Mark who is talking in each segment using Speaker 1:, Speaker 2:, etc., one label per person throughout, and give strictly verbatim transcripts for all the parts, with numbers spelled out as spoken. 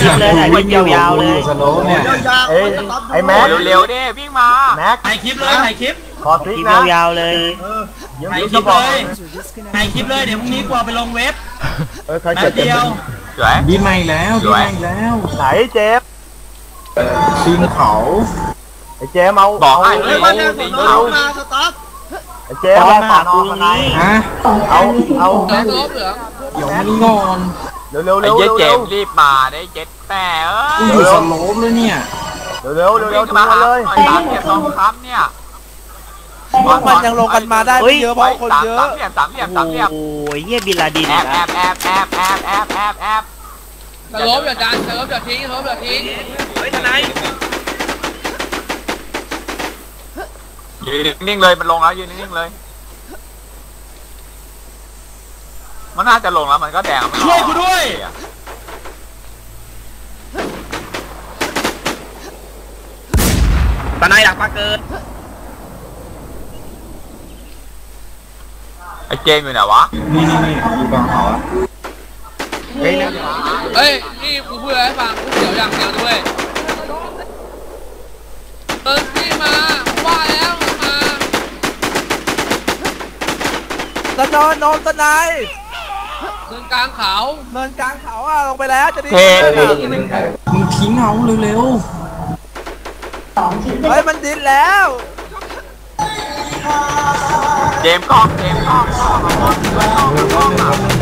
Speaker 1: คลิปเลยถ่ายคลิปยาวๆเลย
Speaker 2: สโลเนี่ย
Speaker 3: เอ้ยไอ้แม็ก
Speaker 4: เร็วๆดิวิ่งมา
Speaker 3: แม็ก
Speaker 5: ถ่ายคลิปเลยถ่ายคลิป
Speaker 3: ขอคลิปนะ
Speaker 1: ยาวๆเลย
Speaker 5: ถ่ายคลิปเลยถ่ายคลิปเลยเดี๋ยวพรุ่งนี้กลัวไปลงเว็บ
Speaker 3: เออใครเจ็บเดียว
Speaker 2: ดีใหม่แล้วดีใหม่แล้ว
Speaker 3: ไหนเจ็บ
Speaker 2: ปีนเขา
Speaker 3: ไอ้เจ๊เมา
Speaker 4: บอกให้
Speaker 3: เฮ้ย
Speaker 4: มา
Speaker 3: เอามาสต๊อปไอ้เจ๊มาฝานอนไหน
Speaker 2: ฮะ
Speaker 3: เอาเอา
Speaker 2: แม็กเหลืองเดี๋ยวมันงอน
Speaker 3: เร็วเร็วเร็ว
Speaker 4: ไอ้เจ๊เจมรีบมาได้เจ็ดแต่เออ
Speaker 2: อยู่สโลปเลยเนี่ย
Speaker 3: เร็วเร็วเร็วเร็วมาเลย
Speaker 4: สามเหลี่ยมสองคำเนี่ย
Speaker 6: มันยังลงกันมาได้ไม่เยอะเพราะคนเยอะ
Speaker 4: สามเหลี่ยมสามเหลี่ยมสามเหลี่ยม
Speaker 1: โอ้ยเฮียบินลาดิน
Speaker 4: แอบแอบแอบแอบแอบแอบแอบแอบ
Speaker 7: สลบอย่าดันสลบอย่าทิ้งสลบอย่าทิ้งเฮ้ยทนาย
Speaker 4: ยืนนิ่งเลยมันลงแล้วยืนนิ่งเลยมันน่าจะลงแล้วมันก็แดง
Speaker 5: ช่วยกูด้วย
Speaker 7: ทนายอยากมาเกิน
Speaker 4: ไอ้เจมอยู่ไหนวะ
Speaker 2: นี่นี่นี่อยู่กลางเขา
Speaker 7: เฮ้ยเฮ้ยนี่กูพูดอะไรให้ฟังกูเดี๋ยวอย่างเดียวด้วยเออพี่มาว่าแล้วมา
Speaker 6: ตะนอนนมตะนาย
Speaker 7: เดินกลางเขา
Speaker 6: เดินกลางเขาอ่ะลงไปแล้วจะดี
Speaker 2: มึงทิ้งเขาเร็ว
Speaker 6: ๆเฮ้ยมันดิ้นแล้ว
Speaker 4: เจมกล้องเจมกล้องกล้องกล้องกล้อง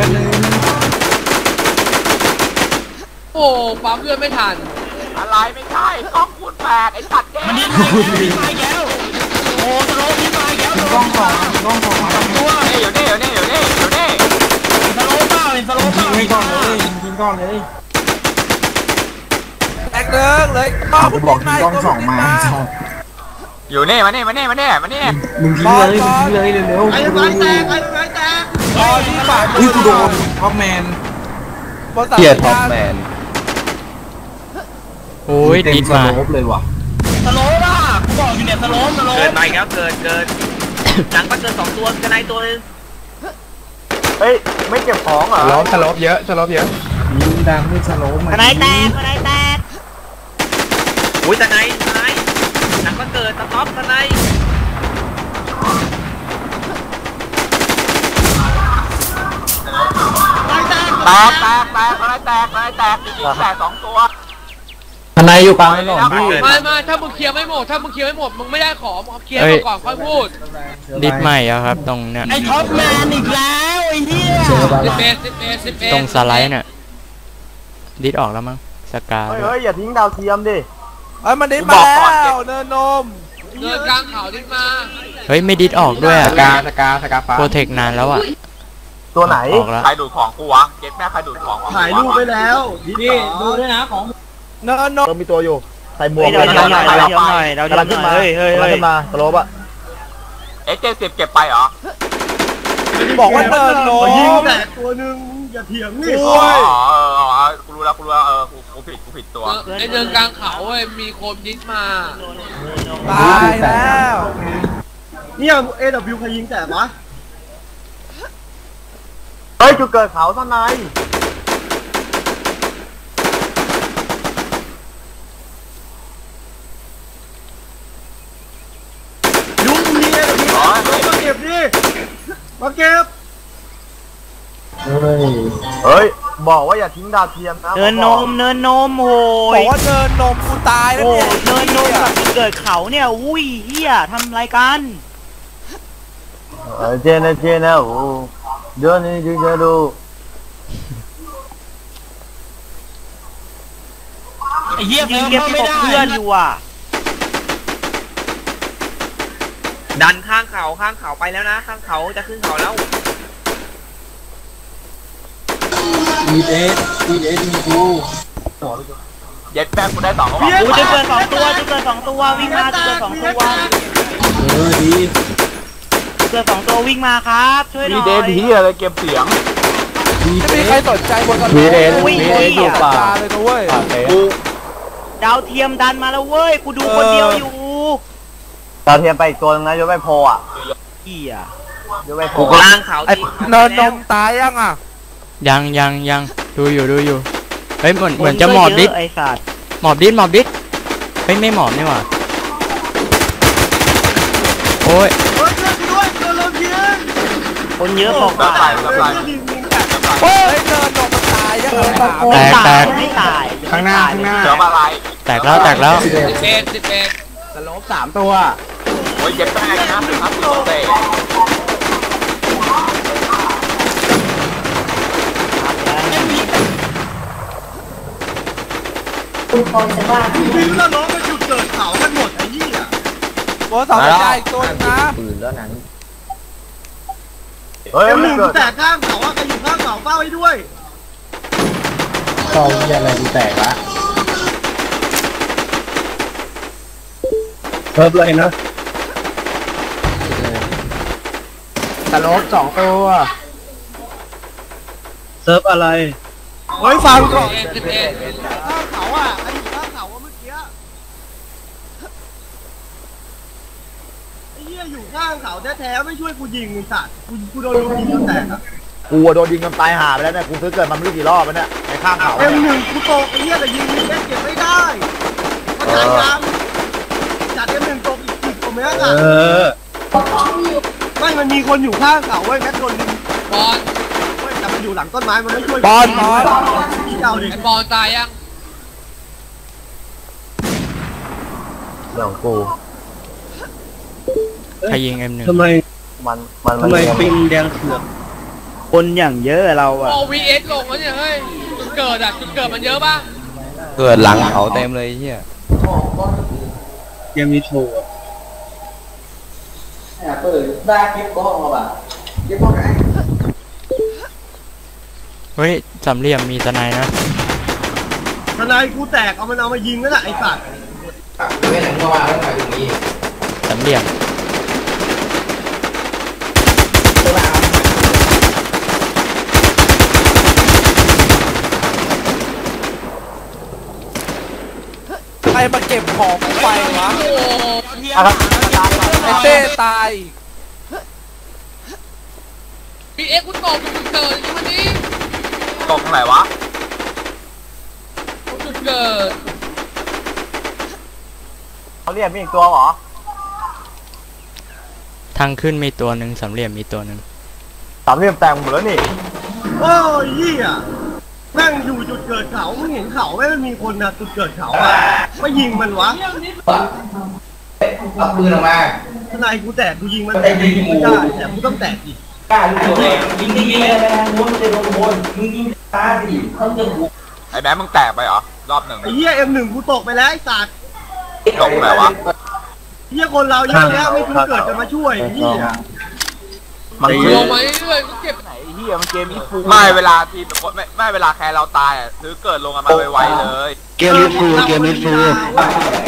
Speaker 7: โอ้ปั๊มเลือดไม่ทัน
Speaker 4: อะไรไม่ใช่กล้องคูณแปดไอ้สัตว์เจม
Speaker 5: มันดิ้นมาดิ้นมาแก้วโอ้สโลดิ้นมาแก้ว
Speaker 2: กล้องสองกล้องสอง
Speaker 5: ตัว
Speaker 4: เดี๋ยวนี่เดี๋ยวนี่เดี๋ยวนี่เดี๋ยวนี่
Speaker 5: สโลเปล่าเป็นสโลเปล่า
Speaker 2: ทิ้งก่อนเลยทิ้งก่อนเลย
Speaker 6: แตกเลิกเลย
Speaker 2: กูบอกทิ้งกล้องสองมา
Speaker 4: อยู่นี่มานี่มานี่มานี่มานี่
Speaker 2: มึงทิ้งเลยมึงทิ้งเลยเร็วๆไอ้ไม้แตกไอ้ไม้แตก
Speaker 6: ตอนที่ฝ่าย
Speaker 2: อุ้ยกูโดนท็อปแมน
Speaker 6: เกียร์
Speaker 2: ท็อปแมน
Speaker 1: โอ้ยดิ้นมา
Speaker 2: เลยว่ะ
Speaker 5: สโลป่ะกูบอกอยู่เนี่ยสโลสโล
Speaker 7: เกินไปแล้วเกินเกินหลังก็เกินสองตัวกันในตัวนึง
Speaker 3: เฮ้ยไม่เก็บของเหรอ
Speaker 2: ล้อสโลปเยอะสโลปเยอะยิงดังด้วยสโลป
Speaker 1: อะไรแตกอะไรแตก
Speaker 7: อุ้ยทนายทนายหลังก็เกินสต็อปทนาย
Speaker 4: แตกแตกแตกอะไรแตกอะไรแตกจริงๆแตกสองตัว
Speaker 2: ทนายอยู่กลางถนนพี่
Speaker 7: ไม่ไม่ถ้ามึงเคลียร์ไม่หมดถ้ามึงเคลียร์ไม่หมดมึงไม่ได้ของมึงเคลียร์ก่อนค่อยพูด
Speaker 1: ดิสใหม่อะครับตรงเนี้ย
Speaker 5: ไอ้ท็อปแมนอีกแล้วไอ้เหี้ย
Speaker 7: สิบเอ็ดสิบเอ็ดสิบเอ็ด
Speaker 1: ตรงสไลด์เนี่ยดิสออกแล้วมั้งสกา
Speaker 3: เฮ้ยอย่าทิ้งดาวเทียมดิ
Speaker 6: เอ้ยมันดิ้นมาแล้วเนินนม
Speaker 7: เดินกลางเขาดิ้นมา
Speaker 1: เฮ้ยไม่ดิสออกด้วย
Speaker 2: สกาสกาสกาฟ้า
Speaker 1: โปรเทคนานแล้วอะ
Speaker 3: ตัวไหน
Speaker 4: ใครดูดของกูวะเก็ตแม่ใครดูดของ
Speaker 3: ถ่ายรูปไปแล้ว
Speaker 6: นี่ดูด้วยนะของเนินนม
Speaker 3: มีตัวอยู่ใส่หมวก
Speaker 1: เราเทียมหน่อยเราเทียมหน่อยเราเทียมหน่อยเฮ้ยเฮ้ยเฮ้ย
Speaker 3: มาสโลปอะ
Speaker 4: เอ็กเจ็ดสิบเก็บไปเหรอ
Speaker 6: บอกว่าเนินนม
Speaker 3: ยิงแต่ตัวนึงอย่าเถียงนี่
Speaker 4: อ๋อเออกูรู้แล้วกูรู้แล้วเออกูกูผิดกูผิดตัว
Speaker 7: ไอเดินกลางเขาเว้ยมีคนดิ้นมา
Speaker 6: ตายแล้ว
Speaker 3: เนี่ยเอวิวใครยิงแต่ปะเฮ้ยจุดเกิดเขาท่านนายยุ่งเนี่ยมาเก็บดิมาเก็บเฮ้ยเฮ้ยบอกว่าอย่าทิ้งดาวเทียมนะ
Speaker 1: เนินนมเนินนมโอ้
Speaker 6: ยบอกว่าเนินนมกูตายแล้วเนี่ย
Speaker 1: เนินนมกับเกิดเขาเนี่ยอุ้ยเฮียทำไรกัน
Speaker 3: เจนเจนนะโอ้เดี๋ยวนี้จะจะดู
Speaker 5: ไอ้เหี้ย
Speaker 1: ยิงเก็บตกเพื่อนอยู่อ่ะ
Speaker 7: ดันข้างเขาข้างเขาไปแล้วนะข้างเขาจะขึ้นเขาแล้ว
Speaker 2: วีเอสวีเอสมีกู
Speaker 4: เย็ดแป้งกูได้สอง
Speaker 1: กูจะเกิดสองตัวจะเกิดสองตัววิ่งมาจะเกิดสองตัว
Speaker 2: เออดี
Speaker 1: เกิดสองตัววิ่งมาครับช่วยหน่อย
Speaker 4: วีเดนที่อะไรเก็บเสียง
Speaker 6: ไม่มีใครสนใจบนถนน
Speaker 2: วีเดนวีเดนอยู่ป่า
Speaker 6: เลยนะเว้ย
Speaker 1: กูดาวเทียมดันมาแล้วเว้ยกูดูคนเดียวอยู่
Speaker 3: ดาวเทียมไปอีกตัวนึงนะยกไปโพอ่ะ
Speaker 1: เหี้ย
Speaker 3: ยกไปโพ
Speaker 7: กลางเขา
Speaker 6: เนินนมตายยังอ่ะ
Speaker 1: ยังยังยังดูอยู่ดูอยู่
Speaker 8: เฮ้ยเหมือนเหมือนจะหมอบดิส
Speaker 1: ไอ้สัตว์
Speaker 8: หมอบดิสหมอบดิสเฮ้ยไม่หมอบนี่หว่าโอ้ย
Speaker 3: เฮ้ยช่วยกูด้วยโดนลมยิง
Speaker 1: คนเยอะบอก
Speaker 4: รับ
Speaker 1: ว่า
Speaker 4: ไปรับไป
Speaker 6: เฮ้ยเดินลงมันตายยังไงถาม
Speaker 8: แตกแตก
Speaker 1: ไม่ตาย
Speaker 3: ข้างหน้าข้างหน้า
Speaker 4: เสือมาลาย
Speaker 8: แตกแล้วแตกแล้ว
Speaker 7: สิบเอ็ดสิบเอ็ด
Speaker 3: สโลปสามตัว
Speaker 4: โอ้ยเย็บแป้งนะถึงครับตัวเตะ
Speaker 9: คุณพอจะว่า
Speaker 3: บินแล้วล้อมาจุดเกิดเขากันหมดไอ้ยี่อ่ะ
Speaker 6: โบสองใจอีกตัวนะ
Speaker 3: ปืนแล้วนั้น
Speaker 4: เฮ้ย
Speaker 3: เอ็มห
Speaker 4: มัน
Speaker 3: นึ่ง
Speaker 4: เกิด
Speaker 3: แตกข้างเขาอ่ะใครอยู่ข้างเขาเฝ้าไว้ด้วย
Speaker 2: ซองเหี้ยอะไรกูแตกละเพิ่มเลยนะสโลปสองตัวเซิร์ฟอะไร
Speaker 3: เฮ้ยฟังก่อน
Speaker 7: สิบเอ็ด
Speaker 3: ข้างเขาอ่ะใครอยู่ข้างเขาอ่ะเมื่อกี้ไอ้เหี้ยอยู่ข้างเขาแท้ๆไม่ช่วยกูยิงไอ้สัตว์กูกูโดนลูกยิงจนแตกอ่ะ
Speaker 4: กูโดนยิงกันตายหาไปแล้วเนี่ยกูซื้อเกิดมาไม่รู้กี่รอบแล้วเนี่ยในข้างเขา
Speaker 3: เอ็มหนึ่งกูตกไอ้เหี้ยแต่ยิงเล่นเก็บไม่ได้เข้าใจยังจัดเอ็มหนึ่งตกอีกสิบกว่าเมตร
Speaker 2: เอ
Speaker 3: อ่ะ
Speaker 2: อ
Speaker 3: ไม่มันมีคนอยู่ข้างเขาเว้ยแม็กโดนยิง
Speaker 7: บอล
Speaker 3: เว้ยแต่มันอยู่หลังต้นไม้มันไม่ช่วย
Speaker 6: บอลบอล
Speaker 3: เจ้าดิ
Speaker 7: ไอ้บอลตายยัง
Speaker 4: เรื่องกู
Speaker 8: ใครยิงเอ็มหนึ่ง
Speaker 2: ทำไม
Speaker 4: มันมัน
Speaker 2: ทำไมปิงแดงเขือก
Speaker 1: คนอย่างเยอะเราอะ
Speaker 7: โอ้วีเอสลงแล้วเนี่ยเฮ้ยจุดเกิดอ่ะจุดเกิดมันเยอะป่ะ
Speaker 8: เกิดหลังเขาเต็มเลยเฮีย
Speaker 2: เกมนี้โชว์อะ
Speaker 8: เฮ้ยสามเหลี่ยมมีสไนด์นะ
Speaker 3: ทนายกูแตกเอามันเอามายิงนั่นแหละไอ้สัตว์
Speaker 8: สามเหลี่ยม
Speaker 6: ใครมาเก็บของกูไปวะ
Speaker 7: โอ้โห
Speaker 6: ไอเต้ตาย
Speaker 7: วีเอสคุณตกจุดเกิดอย่างนี้
Speaker 4: ตกตรงไหนวะ
Speaker 7: จุดเกิด
Speaker 4: เขาเรียกมีอีกตัวเหรอ
Speaker 8: ทางขึ้นมีตัวหนึ่งสามเหลี่ยมมีตัวหนึ่ง
Speaker 4: สามเหลี่ยมแตกหมดแล้วนี่
Speaker 3: โอ้ยเหี้ยแม่งอยู่จุดเกิดเขามึงเห็นเขาไหมมันมีคนนะจุดเกิดเขาอ่ะไม่ยิงมันวะ
Speaker 2: เอาปืนออกมา
Speaker 3: ทนายกูแตกกูยิงมันแต่กูยิงไม่ได้แต่กูต้องแตกอีก
Speaker 2: ยิงยิงยิงอะไรนะม้วนมันจะโดนโวนมึงยิงตาสิเขาจะบุก
Speaker 4: ไอ้แบงค์มึงแตกไปเหรอรอบหนึ่ง
Speaker 3: ไอ้เหี้ยเอ็มหนึ่งกูตกไปแล้วไอ้สัตว์
Speaker 4: ตกตรงไหนวะ
Speaker 3: เหี้ยคนเราเยอะแยะไม่จุดเกิดจะมาช่วยไอ้เหี้ย
Speaker 4: มัน
Speaker 7: ล
Speaker 4: คือง
Speaker 7: มาเรื่อยๆก็เก็บ
Speaker 4: ไหนเฮียมันเกมนี้ฟูไม่เวลาทีมไม่ไม่เวลาแคร์เราตายอ่ะซื้อเกิดลงกันมาไวๆเลย
Speaker 2: เกมนี้ฟูเกมนี้ฟู
Speaker 3: ไ